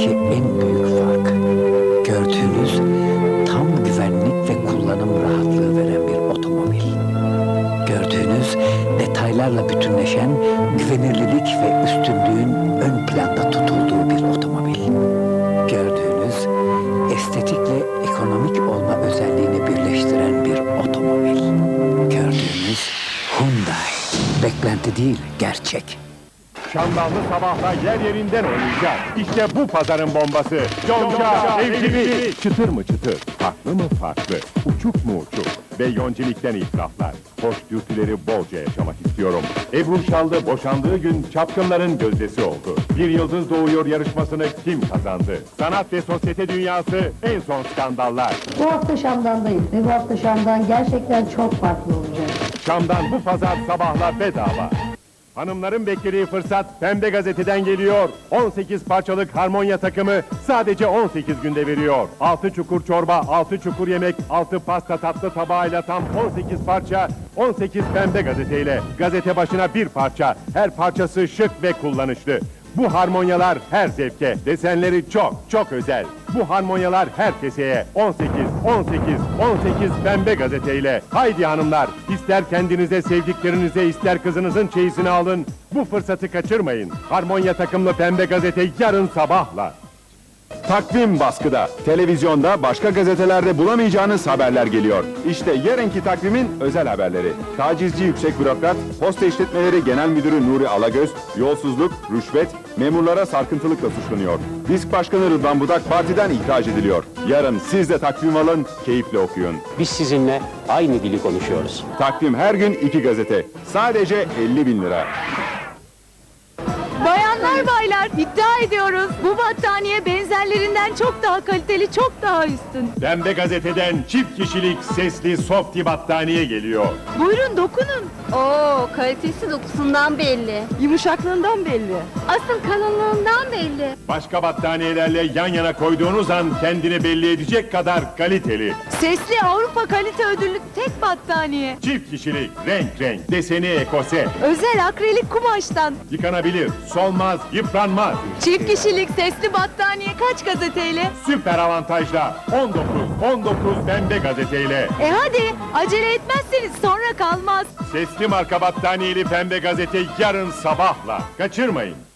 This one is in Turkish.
arasındaki en büyük fark, gördüğünüz tam güvenlik ve kullanım rahatlığı veren bir otomobil. Gördüğünüz detaylarla bütünleşen güvenirlilik ve üstünlüğün ön planda tutulduğu bir otomobil. Gördüğünüz estetikle ekonomik olma özelliğini birleştiren bir otomobil. Gördüğünüz Hyundai. Beklenti değil, gerçek. Şamdanlı sabahla yer yerinden oynayacak. İşte bu pazarın bombası. Yonca evcili. Çıtır mı çıtır, farklı mı farklı, uçuk mu uçuk ve yoncilikten itiraflar. Hoş dürtüleri bolca yaşamak istiyorum. Ebru Şallı boşandığı gün çapkınların gözdesi oldu. Bir yıldız doğuyor yarışmasını kim kazandı? Sanat ve sosyete dünyası en son skandallar. Bu hafta Şam'dandayız ve bu hafta Şam'dan gerçekten çok farklı olacak. Şam'dan bu pazar sabahla bedava. Hanımların beklediği fırsat Pembe Gazete'den geliyor. 18 parçalık harmonya takımı sadece 18 günde veriyor. 6 çukur çorba, 6 çukur yemek, 6 pasta tatlı tabağıyla tam 18 parça, 18 Pembe Gazete'yle. Gazete başına bir parça, her parçası şık ve kullanışlı. Bu harmonyalar her zevke, desenleri çok özel. Bu harmonyalar her keseye 18 Pembe Gazete'yle. Haydi hanımlar, ister kendinize sevdiklerinize ister kızınızın çeyizini alın. Bu fırsatı kaçırmayın. Harmonya takımlı Pembe Gazete yarın sabahla. Takvim baskıda. Televizyonda başka gazetelerde bulamayacağınız haberler geliyor. İşte yarınki takvimin özel haberleri. Tacizci yüksek bürokrat, posta işletmeleri genel müdürü Nuri Alagöz, yolsuzluk, rüşvet, memurlara sarkıntılıkla suçlanıyor. Disk Başkanı Rıdvan Budak partiden ihraç ediliyor. Yarın siz de takvim alın, keyifle okuyun. Biz sizinle aynı dili konuşuyoruz. Takvim her gün 2 gazete. Sadece 50.000 lira. Bayanlar baylar iddia ediyoruz. Bu battaniye benzerlerinden çok daha kaliteli, çok daha üstün. Pembe Gazete'den çift kişilik sesli softi battaniye geliyor. Buyurun dokunun. Oo, kalitesi dokusundan belli. Yumuşaklığından belli. Asıl kalınlığından belli. Başka battaniyelerle yan yana koyduğunuz an kendini belli edecek kadar kaliteli. Sesli Avrupa kalite ödüllü tek battaniye. Çift kişilik, renk, deseni ekose. Özel akrilik kumaştan. Yıkanabilir, solmaz, yıpranmaz. Çift kişilik sesli battaniye kaç gazeteyle? Süper avantajla 19 Pembe Gazete'yle. Hadi acele etmezseniz sonra kalmaz. Sesli marka battaniyeli Pembe Gazete yarın sabahla. Kaçırmayın.